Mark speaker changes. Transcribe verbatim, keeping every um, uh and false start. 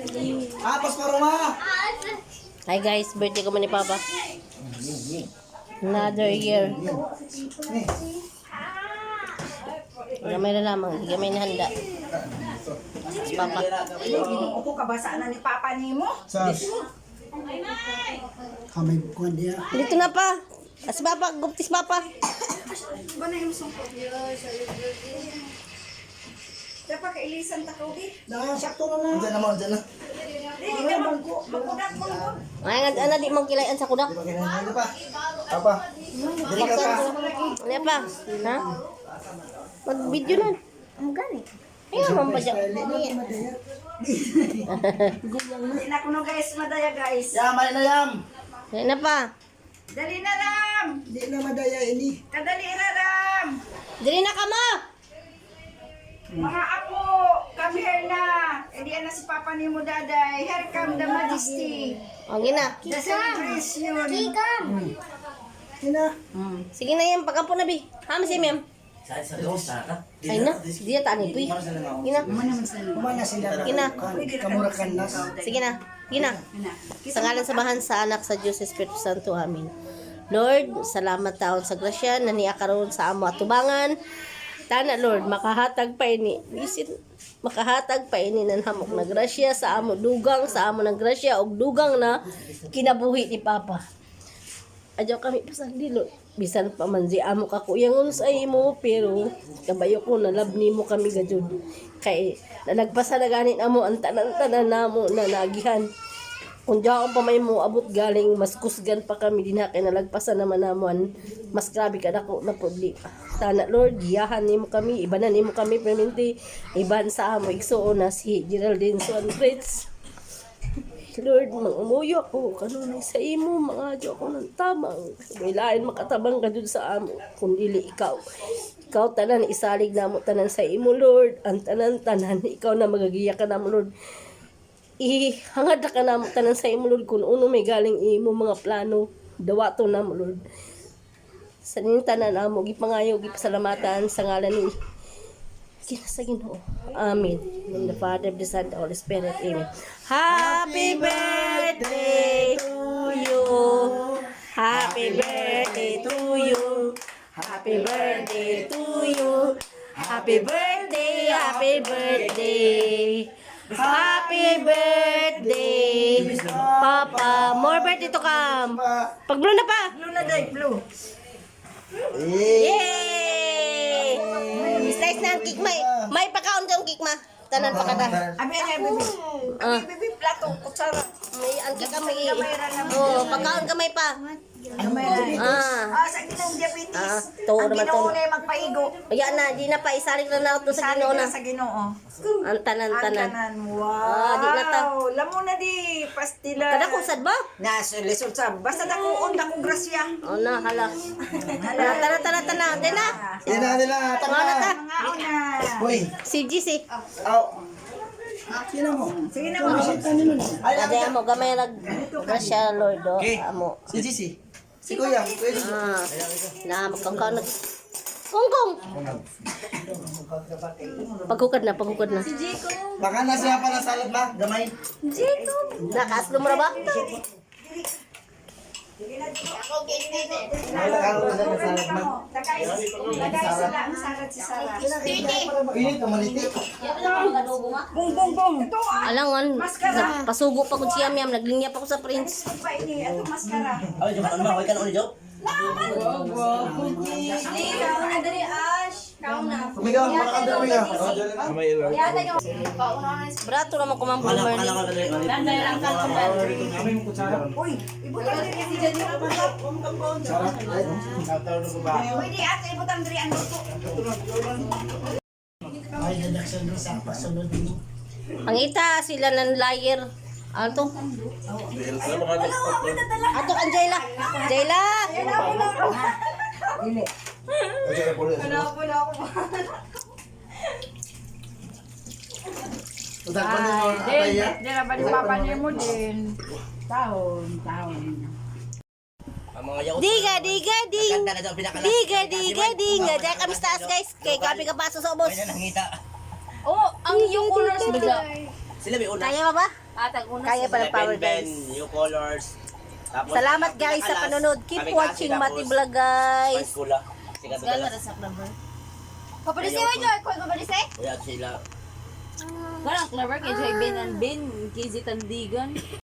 Speaker 1: Ah, pasparuma.
Speaker 2: Hi guys, birthday ko man ni Papa. Another year. Gamay na lamang, gamay na handa. Si Papa.
Speaker 3: Ako kabasaan na ni Papa ni mo.
Speaker 1: Sas. Kamay bukuan dia.
Speaker 2: Dito na pa. Si Papa, guptis Papa.
Speaker 3: Ba na yung sungkot? Dapat kailisan takaw di.
Speaker 1: Nah, sakto na na. Diyan na mo, diyan na.
Speaker 3: Di ka magku, magkudak mo.
Speaker 2: Ay, nga, ana di mong kilayan sa kudak.
Speaker 1: Ano pa? Apa? Dili ka pa.
Speaker 2: Ano pa? Ha? Mag-video na.
Speaker 3: Ang gani.
Speaker 2: Ayun, mamadya.
Speaker 3: Hindi na kuno guys, madaya guys.
Speaker 1: Yam, ay na yam.
Speaker 2: Ayun na pa.
Speaker 3: Dali na Ram.
Speaker 1: Di na madaya ini.
Speaker 3: Kadali na Ram.
Speaker 2: Dili na ka mo!
Speaker 3: Mga apo, come here na. Hindi na si Papa ni mo daday. Here come the majesty.
Speaker 2: O, gina.
Speaker 3: The celebration.
Speaker 1: Ina.
Speaker 2: Sige na yan, pagkampo na, Bi. Hama si Mem. Ay na, diya taan ito eh. Gina.
Speaker 1: Kumana sila.
Speaker 2: Gina.
Speaker 1: Kamurakan nas.
Speaker 2: Sige na. Gina. Sa ngalan sa bahan sa anak sa Diyos Espiritu Santo. Amin. Lord, salamat taon sa grasya na niya karon sa amo atubangan. Tana Lord, makahatag pa ini. Bisin, makahatag pa ini ng hamok na grasya sa amo dugang, sa amo ng grasya og dugang na kinabuhi ni Papa. Adyo kami pasandi Lord. Bisan pa man si amo ka kuyangon sa imo, pero kabayo ko na love nimo kami gajud. Kay nalagpasa na ganin amo ang tanan-tanan namo na nagihan. Kung diyan pa may mo abot galing, mas kusgan pa kami din ha, kay nalagpasan naman naman, mas grabe ka dako na problema. Tana Lord, giyahan nimo kami, ibanan nimo kami permanente, iban sa amo igsuon na si Geraldine Swan Fritz. Lord, mang-umuyo ako, kanunay sa imo, mga adyo ako ng tamang. May lain makatabang ka dun sa amo, kung dili ikaw. Ikaw tanan, isalig na mo tanan sa imo, Lord. Ang tanan-tanan, ikaw na magagiya ka na mo, Lord. Ihangad na ka na mo tanan sa imo, Lord, kung uno may galing imo mga plano. Dawato na mo, Lord. Sa ning tanan na mo, gipangayo, gipasalamatan sa ngalan ni Kinasa Ginoo. Amen. In the Father, the Son, the Holy Spirit. Amen. Happy birthday to you. Happy birthday to you. Happy birthday to you. Happy birthday, happy birthday. Happy birthday, Papa. More birthday to come. Pag blue na pa.
Speaker 3: Blue na day, blue.
Speaker 2: Yay! Slice na ang cake, may. May pakaon ka ang cake, ma. Tanan pa kada.
Speaker 3: Abi ay bibi.
Speaker 2: Ah.
Speaker 3: Abi bibi plato kutsara.
Speaker 2: May ang cake ka may. Oh, pakaon ka may pa. Ah.
Speaker 3: Ah, sa ginang diabetes.
Speaker 2: Ah, to
Speaker 3: ang
Speaker 2: naman to.
Speaker 3: Ginoo na magpaigo.
Speaker 2: Ayan na, di na pa isalig na na to sa
Speaker 3: Sabi
Speaker 2: Ginoo
Speaker 3: na
Speaker 2: na.
Speaker 3: sa Ginoo.
Speaker 2: Ang tanan
Speaker 3: Ang
Speaker 2: tanan.
Speaker 3: tanan. Wow.
Speaker 2: Ah, di na ta.
Speaker 3: Lamo na di pastila.
Speaker 2: Kada ko sad ba?
Speaker 3: Nasa lisod sa basta dako on dako grasya.
Speaker 2: Oh na, hala. Hala, tanan tanan tanan. Di na.
Speaker 1: Ina nila.
Speaker 2: Mga na ta.
Speaker 3: Mga una.
Speaker 1: Hoy.
Speaker 2: Si G C.
Speaker 1: Aw. Sino mo?
Speaker 3: Sige na mo.
Speaker 1: Ay,
Speaker 2: Ada mo gamay nag grasya Lord do. Amo.
Speaker 1: si Gisi. Si Kuya. Kuya.
Speaker 2: Ah. Na magkangkaw na. Kongkong. Paghukad na, paghukad na.
Speaker 1: Baka na siya pa ng salad ba? Gamay.
Speaker 2: Nakaslo mo na ba?
Speaker 1: Ay, nakakaroon siya ng salad ba?
Speaker 3: Tagay sila ang sarat si Sara.
Speaker 1: Pinit, kamaliti.
Speaker 3: Bung bung bung. Ito ah.
Speaker 2: Alangan, pasugo pa ko siya miyam, naglinya pa ko sa prince.
Speaker 3: Pa ini ato maskara.
Speaker 1: Ay, jumat ano ba? Huwag ka na ulit, Joe?
Speaker 3: Ikaw na dali Ash. Kau na.
Speaker 1: Tumigaw, malakang din tumigaw.
Speaker 3: Yata yung
Speaker 2: Brato naman kumang bomber ni.
Speaker 3: Uy, ibutang diri si Jadi na ba? Pwede ato ibutang diri ang luto.
Speaker 1: Ay, nadaksan doon sa pasunod din.
Speaker 2: Ang ita, sila ng liar. Ano to? Ato ang Jayla. Jayla!
Speaker 3: Dili. Wala po na ako.
Speaker 1: Utak pa niyo, atay ya?
Speaker 3: Di na ba ni Papa niya mo din? Taon, taon.
Speaker 2: Diga, diga, ding. Diga, diga, ding. Diyan kami sa taas guys. Kay kami ka paso sa ubos.
Speaker 3: Oh, ang yung colors bigla.
Speaker 4: Sila may una.
Speaker 2: Kaya mo ba?
Speaker 5: Atag una
Speaker 2: Kaya
Speaker 5: sila.
Speaker 2: pala power
Speaker 4: Ben,
Speaker 2: guys.
Speaker 4: new colors. Tapos,
Speaker 2: Salamat
Speaker 4: ang
Speaker 2: guys sa
Speaker 4: pinakalas,
Speaker 2: panonood. Keep
Speaker 4: kami
Speaker 2: watching
Speaker 4: kasi,
Speaker 2: Mati
Speaker 4: tapos,
Speaker 2: Vlog guys.
Speaker 4: Spice Cola. Sikat na
Speaker 5: Gala
Speaker 4: dalas.
Speaker 5: ra sa clever.
Speaker 3: Papadisi mo, Joy. Kung papadisi?
Speaker 4: Kaya sila.
Speaker 5: Parang clever kay Joy Ben and Ben, K Z Tandigan.